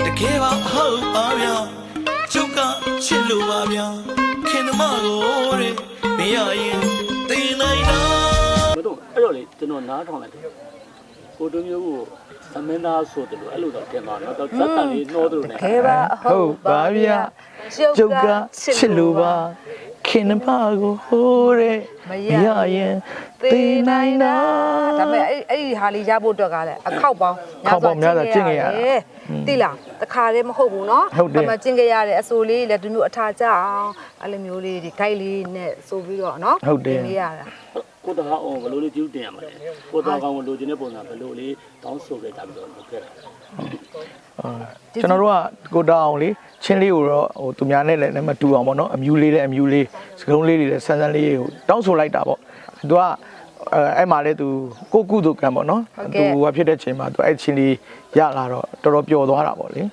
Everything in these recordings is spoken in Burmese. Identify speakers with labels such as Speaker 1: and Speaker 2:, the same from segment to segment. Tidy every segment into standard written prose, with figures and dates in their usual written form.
Speaker 1: ကယ်ပါဟုတ်ပါဗျာကျုပ်ကချစ်လို့ပါဗျာခင်သမားကိုတဲ့မရရင်သိနိုင်တာ
Speaker 2: မတို့အဲ့တော့လေကျွန်တော်နားထောင်လိုက်တယ်ကိုတို့မျိုးကိုသမင်းသားဆိုတယ်လို့အဲ့လိုတော့တင်ပါတော့ဇက်တန်လေးနှောတယ်လို့
Speaker 3: တကယ်ပါဟုတ်ပါဗျာကျုပ်ကချစ်လို့ပါခင်သမားကိုဟိုးတဲ့မရရင်သိနိုင်တာဒါပေမဲ့အဲ့ဒီဟာလေးရဖို့အတွက်ကလည်းအခောက်ပေါင်းများစွာကျင့်ခဲ့ရတယ်တိလားတခါတည်းမဟုတ်ဘူးเนาะဒါမှကျင့်ခဲ့ရတဲ့အစိုးလေးလည်းဒီမျိုးအထာကြအောင်အဲ့လိုမျိုးလေးဒီ guide လေးနဲ့ဆိုပြီးတော့เนาะတင်ရတာ
Speaker 2: ကိုတဟာအောင်ဘယ်လိုလေးကျူးတင်ရမှာလဲကိုတဟာကောင်ကိုလိုချင်တဲ့ပုံစံဘယ်လိုလေးတောင်းဆိုခဲ့ကြပြီးတော့လုပ်ခဲ့တာ
Speaker 3: ကျွန်တော်တို့ကကိုတအောင်လေးချင်းလေးကိုတော့ဟိုသူများနဲ့လည်းမတူအောင်ပေါ့နော်အမျိုးလေးစကုံးလေးတွေလည်းဆန်းဆန်းလေးကိုတောင်းဆိုလိုက်တာပေါ့သူကအဲ့မှာလေသူကိုကုသူကံပေါ့နော်သူကဖြစ်တဲ့ချိန်မှာသူအဲ့ချင်းလေးရလာတော့တော်တော်ပျော်သွားတာပေါ့လေ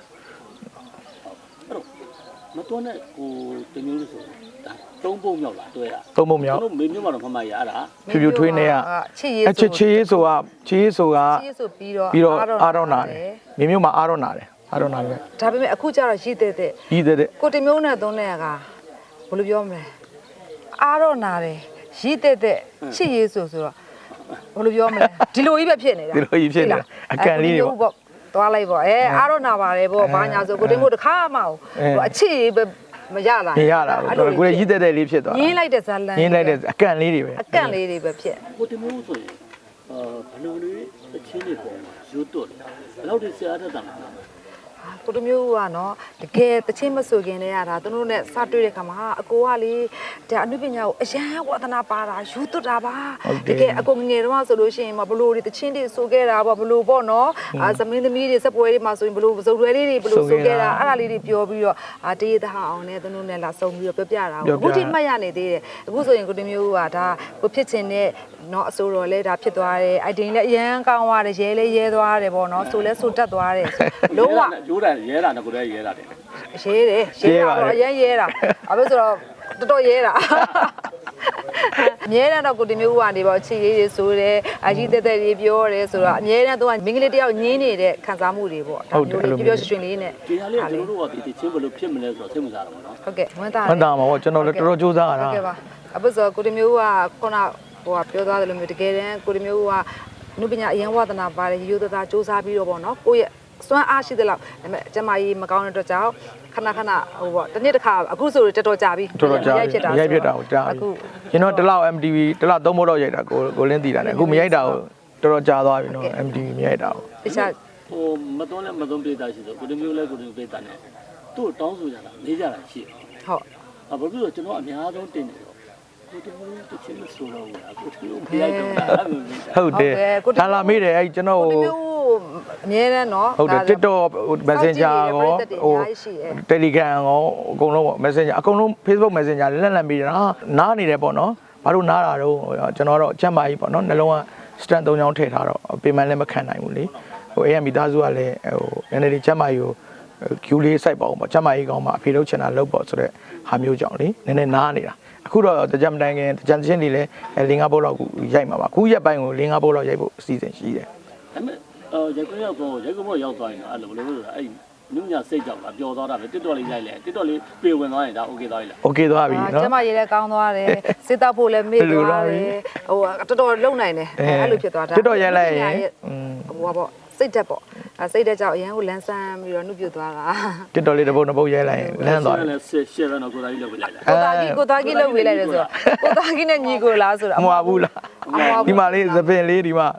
Speaker 2: မတော်နဲ့ကိုတမျိုးလို့ဆိုတာသုံးပုံမြောက်လာတွေ့တာ
Speaker 3: သုံးပုံမြောက်
Speaker 2: ကျွန်တော်မေမျိုးမှာတော့မမရတာ
Speaker 3: ဖြူဖြူထွေးနေရချစ်ရေးဆိုတာချစ်ရေးဆိုပြီးတော့အာရောနာတယ်မေမျိုးမှာအာရောနာတယ်အာရောနာတယ်ဒါပေမဲ့အခုကျတော့ရည်တဲ့ကိုတမျိုးနဲ့သုံးတဲ့ကဘယ်လိုပြောမလဲအာရောနာတယ်ရည်တဲ့ချစ်ရေးဆိုတော့ဘယ်လိုပြောမလဲဒီလိုကြီးပဲဖြစ်နေတာဒီလိုကြီးဖြစ်နေတာအကန်လေးတွေပေါ့သွားလိုက်ပေါ့အာရောနာပါတယ်ပေါ့ဘာညာဆိုကိုတမျိုးတစ်ခါမှအချစ်ရေးပဲမရလာဘူးကိုယ်ရည်တဲ့လေးဖြစ်သွားရင်းလိုက်တဲ့ဇာလန်ရင်းလိုက်တဲ့အကန့်လေးတွေပဲဖြစ်
Speaker 2: ကိုတမျိုးဆိုရင်ဘယ်လိုလေးအချင်းတွေပေါ်မှာရိုးတွတ်တယ်ဘယ်လောက်ထိဆရာထက်တာလဲ
Speaker 3: ကိုတမျိုးကနော်တကယ်တချင်းမဆိုခင်တည်းကဒါသူတို့နဲ့စတွေ့တဲ့ခါမှာအကိုကလေဒါအနုပညာကိုအရန်ဝါသနာပါတာယူသွတ်တာပါတကယ်အကိုငယ်တော့ဆိုလို့ရှိရင်ဘလို့ဒီတချင်းတွေဆိုခဲ့တာပေါ့ဘလို့ပေါ့နော်သမင်းသမီးတွေစပွဲတွေမှာဆိုရင်ဘလို့စုံတွဲလေးတွေဘလို့ဆိုခဲ့တာအဲ့ဒါလေးတွေပြောပြီးတော့တရေသားအောင်နဲ့သူတို့နဲ့လာစုံပြီးတော့ပြောပြတာအခုထိမှတ်ရနေသေးတယ်အခုဆိုရင်ကိုတမျိုးကဒါကိုဖြစ်ချင်တဲ့နော်အစိုးရလဲဒါဖြစ်သွားတယ်အိုက်တင်လည်းအရန်ကောင်းသွားတယ်ရဲလဲရဲသွားတယ်ပေါ့နော်ဆိုလဲဆိုတတ်သွားတယ်လုံးဝ
Speaker 2: ရိုးတယ်ရဲတာနဲ့ကိုယ်တည်းရဲတာတယ်
Speaker 3: ရဲတော့အရင်ရဲတာအဲ့လိုဆိုတော့တော်တော်ရဲတာအမြဲတမ်းတော့ကိုတမျိုးကနေပေါ့ချီရေးတွေဆိုတယ်အကြီးတက်တက်လေးပြောတယ်ဆိုတော့အမြဲတမ်းသူကမင်္ဂလေးတယောက်ညင်းနေတဲ့ခံစားမှုတွေပေါ့ဒါမျိုးလေးပြောရွှင်လေးနဲ့
Speaker 2: ဒီဟာလေးကျွန်တော်တို့ကဒီချင်းဘယ်လိုဖြစ်မလဲဆိုတော့သိမှသာတော့နော်
Speaker 3: ဟုတ်ကဲ့ဝမ်းသာမှာပေါ့ကျွန်တော်လည်းတော်တော်စူးစမ်းရတာဟုတ်ကဲ့ပါအခုဆိုကိုတမျိုးကခုနဟိုကပြောသွားတယ်လို့မျိုးတကယ်တမ်းကိုတမျိုးကအနုပညာအရင်ဝါသနာပါတယ်ရိုးသားစူးစမ်းပြီးတော့ပေါ့နော်ကိုရဲ့စွမ်းအားရှိတဲ့လောက်ဒါပေမဲ့ကျမကြီးမကောင်းတဲ့အတွက်ကြောင့်ခဏဟိုပေါ့တစ်နေ့တစ်ခါအခုဆိုတော်တော်ကြာပြီရိုက်ဖြစ်တာကိုကြာအခုကျွန်တော်တစ်လောက် MTV တစ်လောက်သုံးဖို့တော့ရိုက်တာကိုလင်းတည်တာနဲ့အခုမရိုက်တာကိုတော်တော်ကြာသွားပြီနော် MTV မရိုက်တာကိုတခြား
Speaker 2: ဟိုမသွန်းလဲမသွန်းပေးတာရှိဆိုကိုတမျိုးလဲကိုတမျိုးပေးတာနဲ့သူ့တောင်းဆိုကြတာလေးကြတာရှိဟုတ်ဘာဖြစ်လို့ကျွန်တော်အများဆုံးတင်နေတော့ကိုတမျိုးတစ်ချင်းမဆိုတော့ဘူးအခုသူ့မရိုက်တော့တာ
Speaker 3: ဟုတ်တယ်ဒါလာမေးတယ်အဲ့ကျွန်တော်အမြဲတမ်းเนาะဟုတ်တယ် TikTok Messenger ရောဟို Telegram ရောအကုန်လုံးပေါ့ Messenger အကုန်လုံး Facebook Messenger လက်ပြီးတာနားနေတယ်ပေါ့เนาะဘာလို့နားတာတော့ကျွန်တော်တော့အချက်မကြီးပေါ့เนาะနှလုံးက stand 3ချောင်းထည့်ထားတော့ပေမန်လည်းမခံနိုင်ဘူးလေဟိုAM မိသားစုကလည်းဟိုနည်းနည်းလေးချက်မကြီးကို Q လေးစိုက်ပါအောင်ပေါ့ချက်မကြီးကောင်းမှအဖေလုပ်ချင်တာလုပ်ပေါ့ဆိုတော့ဟာမျိုးကြောင့်လေနည်းနည်းနားနေတာအခုတော့တကြံမတိုင်ခင်တကြံချင်းတွေလည်း5ဘုတ်လောက်ရိုက်မှာပါအခုရက်ပိုင်းကို5ဘုတ်လောက်ရိုက်ဖို့အစီအစဉ်ရှိတယ်
Speaker 2: ဒါပေမဲ့ရိုက်ခွင့်ရောက်တော့ရိုက်ခွင့်မရောက်သွားရင်တော့အဲ့လိုဘယ်လိုလဲဆိုတော့အဲ့နုညစိတ်ကြောက်တာပျော်သွားတာပဲတစ်တော်လေးရိုက်လဲတစ်တော်လေးပြေဝင်သွားရင်ဒါ okay သွားပြီလား
Speaker 3: okay သွားပြီနော်ကျမရေလည်းကောင်းသွားတယ်စစ်တောက်ဖို့လည်းမေ့သွားတယ်ဟိုတော်တော်လုံနိုင်တယ်အဲ့လိုဖြစ်သွားတာတစ်တော်ရိုက်လိုက်ရင်ဟိုပေါ့စိတ်တက်ပေါ့စိတ်တက်ကြောင့်အရန်ကိုလန်းဆန်းပြီးတော့နှုတ်ပြသွားတာတစ်တော်လေးတစ်ပုတ်နှစ်ပုတ်ရိုက်လိုက်ရင်လန်းသွားတယ်
Speaker 2: ရှယ်တော့ကိုသားကြီးလုပ်ပေးလိုက်လား
Speaker 3: ကိုသားကြီးလုပ်ပေးလိုက်တယ်ဆိုတော့ကိုသားကြီးနဲ့ညီကိုလားဆိုတော့
Speaker 2: မဟုတ်ဘူးလား
Speaker 3: ဒီမှာလေးသပင်လေးဒီမှာ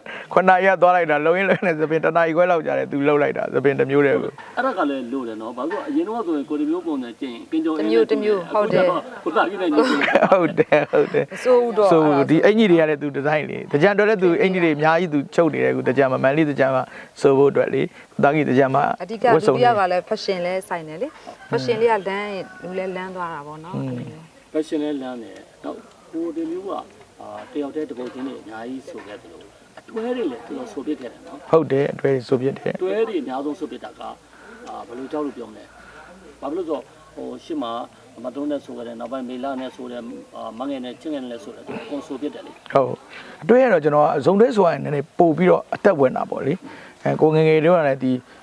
Speaker 3: 9ရက်သွားလိုက်တာလုံရင်းလုံနဲ့သပင်တနားကြီးခွဲလောက်ကြာတယ်သူလှုပ်လိုက်တာသပင်တစ်မျိုးတည်းကို
Speaker 2: အဲ့ဒါကလည်းလို့တယ်နော်ဘာလို့အရင်တော့ဆိုရင်ကိုတမျိုးပုံနဲ့ကျင်ကင်းကြုံ
Speaker 3: တစ်မျိုးဟုတ်တယ်
Speaker 2: ကိုသားကြီးနဲ့ညီ
Speaker 3: ဟုတ်တယ်ဆိုဒီအင်ကြီးတွေကလည်းသူဒီဇိုင်းလေးတကြံတော့လည်းသူအင်ကြီးတွေအများကြီးသူချုပ်နေတယ်ကူတကြံမန်လေးတကြံမှာဆိုဖို့အတွက်လေတာကြီးတကြံမှာအဓိကဒုတိယကလည်း fashion လဲဆိုင်တယ်လေ fashion လေးကလမ်းလူလဲလမ်းသွားတာပေါ့နော်
Speaker 2: fashion လဲလမ်းတယ်တော့ဟိုဒီမျိုးကတယောက်တည်းတပုတ်ချင်းတွေအများကြီးဆိုခဲ့တယ်လို့အတွဲတွေလည်းသူတို့ဆိုပြခဲ့တယ်နော်
Speaker 3: ဟုတ်တယ်အတွဲတွေဆိုပြတယ်
Speaker 2: အတွဲတွေအများဆုံးဆိုပြတာကဘယ်လိုကြောက်လို့ပြောမလဲဘာဖြစ်လို့ဆိုဟိုရှစ်မှာမတုံးနဲ့ဆိုကြတယ်နောက်ပိုင်းမေလာနဲ့ဆိုတယ်မငယ်နဲ့ချင်းငယ်နဲ့ဆိုတယ်သူကွန်ဆိုပြတယ်လေ
Speaker 3: ဟုတ်အတွဲရတော့ကျွန်တော်ဇုံတွဲဆိုရင်နည်းနည်းပို့ပြီးတော့အသက်ဝင်တာပေါ့လေကိုငယ်ငယ်လေးကလည်းဒီ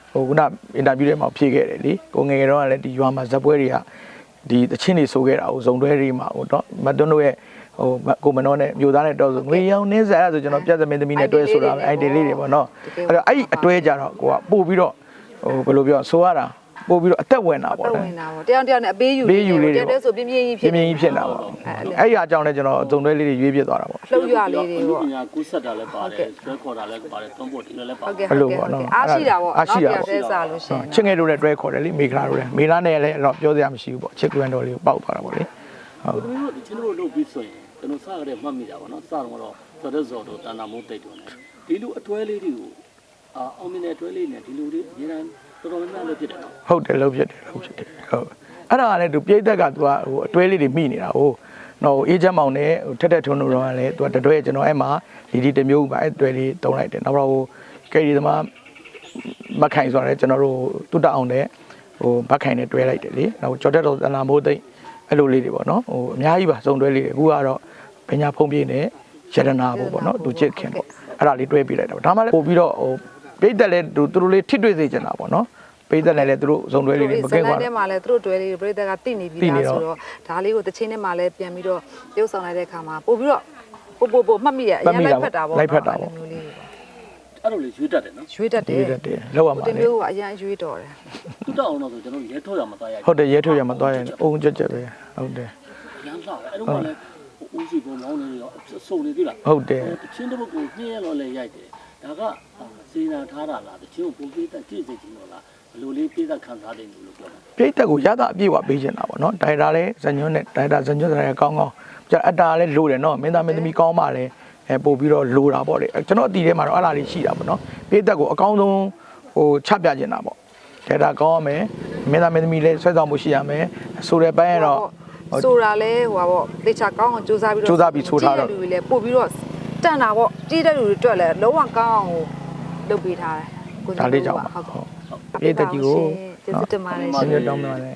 Speaker 3: ဟိုခုနအင်တာဗျူးထဲမှာဖြေခဲ့တယ်လေကိုငယ်ငယ်တော့ကလည်းဒီရွာမှာဇက်ပွဲတွေကဒီတချင်းတွေဆိုခဲ့တာကိုဇုံတွဲတွေမှာဟိုတော့မတွန်းတို့ရဲ့ဟိုကိုမနောနဲ့မျိုးသားနဲ့တော့ဆိုငွေရောင်နင်းစားအဲ့ဒါဆိုကျွန်တော်ပြတ်သမင်းသမီးနဲ့တွဲဆိုတာပဲအဲ့ဒီလေးတွေပေါ့နော်အဲ့တော့အဲ့ဒီအတွဲကြတော့ကိုကပို့ပြီးတော့ဟိုဘယ်လိုပြောဆိုရတာပို့ပြီးတော့အသက်ဝင်တာပေါ့
Speaker 4: ဝင်တာပေါ့တယောက်တယောက်နဲ့အပေးယူတယောက်တည်းဆိုပြင်းပြင်းကြီးဖြစ်
Speaker 3: တာပေါ့အဲ့ဒီအကြောင်းနဲ့ကျွန်တော်အုံတွဲလေးတွေရွေးပြသွားတာပေါ့
Speaker 4: လှုပ်ရလေးတွေပေါ့
Speaker 2: ပညာကူးဆက်တာလည်းပါတယ်ဆွဲခေါ်တာလည်းပါတယ်တွန်းပို့ဒီလိုလည်းပါ
Speaker 4: ဟုတ်ကဲ့အားရှိတာပေါ့တယောက်တည်းစားလို့ရှိရင်
Speaker 3: ချင်းငယ်တို့လည်းတွဲခေါ်တယ်လေမေခလာတို့လည်းမေလာနဲ့လည်းတော့ပြောစရာမရှိဘူးပေါ့ချစ်ကွန်းတော်လေးကိုပောက်သွားတာပေါ့လေဟုတ်
Speaker 2: ဒီလိုဒီချင်းတို့လုပ်ပြီးဆိုရင်ကျွန်တော်စရတဲ့မှတ်မိတာပေါ့နော်စတော့တော့ဇော်တို့တန်တာမိုးတိတ်တို့ ਨੇ ဒီလိုအတွဲလေးတွေကိုအောင်မြင်တဲ့အတွဲလေးနဲ့ဒီလိုတွေအများတော်တော်များများလုပ်ဖြစ်တယ်နော်
Speaker 3: ဟုတ်တယ်လုပ်ဖြစ်တယ်ဟုတ်အဲ့ဒါကလည်းသူပြိတက်ကသူကဟိုအတွဲလေးတွေမိနေတာဟိုနော်အေးချမ်းမောင်နဲ့ထက်ထက်ထွန်းတို့တော့လည်းသူကတွဲကျွန်တော်အဲ့မှာဒီတစ်မျိုးပါအဲ့တွဲလေးတုံးလိုက်တယ်နောက်တော့ဟိုကယ်ရီသမားမခိုင်ဆိုရဲကျွန်တော်တို့တုတအောင်တဲ့ဟိုမခိုင်နဲ့တွဲလိုက်တယ်လေနောက်ကျော်တက်တော်တန်လာမိုးသိမ့်အဲ့လိုလေးတွေပေါ့နော်ဟိုအများကြီးပါစုံတွဲလေးတွေအခုကတော့ပညာဖုံးပြည့်နဲ့ရတနာပေါ့နော်သူချစ်ခင်ပေါ့အဲ့ဒါလေးတွဲပြလိုက်တာဒါမှလည်းပို့ပြီးတော့ဟိုပြိတက်လည်းသူတို့လေးထစ်တွေ့စေချင်တာပေါ့နော်ပြိတက်လည်းသူတို့စုံတွဲလေးတွေမကင်းပါဘူး
Speaker 4: ဇလန်ထဲမှာလည်းသူတို့တွဲလေးပြိတက်ကတိနေပြီးသားဆိုတော့ဒါလေးကိုတချင်းထဲမှာလည်းပြန်ပြီးတော့ပြုတ်ဆောင်လိုက်တဲ့အခါမှာပို့ပြီးတော့ပို့မှတ်မိရအရင်လိုက်ဖက်တာပေါ့မျိုးလေး
Speaker 2: အဲ့လိုလေရွေးတတ်တယ်နော်
Speaker 4: ရွေးတတ်တယ်
Speaker 3: လောက်ရမှာ
Speaker 4: ဒီ
Speaker 3: လေ
Speaker 4: မျိုးကအရင်ရွေးတော်တယ်
Speaker 2: သူတောက်အောင်တော့ဆိုကျွန်တော်ရဲထုတ်ရမှာသားရ
Speaker 3: ဟုတ်တယ်ရဲထုတ်ရမှာသွားရင်အုံကြက်ကြက်ပဲဟုတ်တယ်
Speaker 2: ရမ်းလာအဲ့တော့လည်းဦးစီပုံမောင်းနေရောစုံနေပြီလား
Speaker 3: ဟုတ်တယ်
Speaker 2: တချင်းတစ်ပုတ်ကိုညှင်းရတော့လည်းရိုက်တယ်ဒါကစေနာထားတာလားတချင်းကိုပုံပေးတတ်ကြည့်စေချင်တော့လားဘယ်လိုလေးပေးတတ်ခံစားတယ်လို့ပြောတာ
Speaker 3: ပြိတက်ကိုရတာအပြည့်ဝပေးချင်တာပေါ့နော်ဒိုင်တာလည်းဇညွန်းနဲ့ဒိုင်တာဇညွန်းဆိုင်ကောင်းကောင်းကျအတာလည်းလိုတယ်နော်မင်းသားမင်းသမီးကောင်းမှလည်းပို့ပြီးတော့လိုတာပေါ့လေကျွန်တော်အတီထဲမှာတော့အဲ့လားလေးရှိတာပေါ့နော်ပြိတက်ကိုအကောင်းဆုံးဟိုချပြချင်တာပေါ့ဒိုင်တာကောင်းရမယ်မင်းသားမင်းသမီးလည်းဆွဲဆောင်မှုရှိရမယ်ဆိုတဲ့ပိုင်းကတော့
Speaker 4: ဆိုတာလဲဟိုပါပေါ့တေချာကောင်းအောင်စူးစမ်းပြီးတော့လူတွေလည်းပို့ပြီးတော့တန်တာပေါ့ကြီးတဲ့လူတွေအတွက်လည်းလုံးဝကောင်းအောင်လုပ်ပေးထားတယ်
Speaker 3: ဒါလေးကြောင့်ပါဟုတ်ပြိတက်ကြီးကို
Speaker 4: ကျေးဇူးတင်ပါတယ်
Speaker 3: ကျေးဇူးတောင်းပါတယ်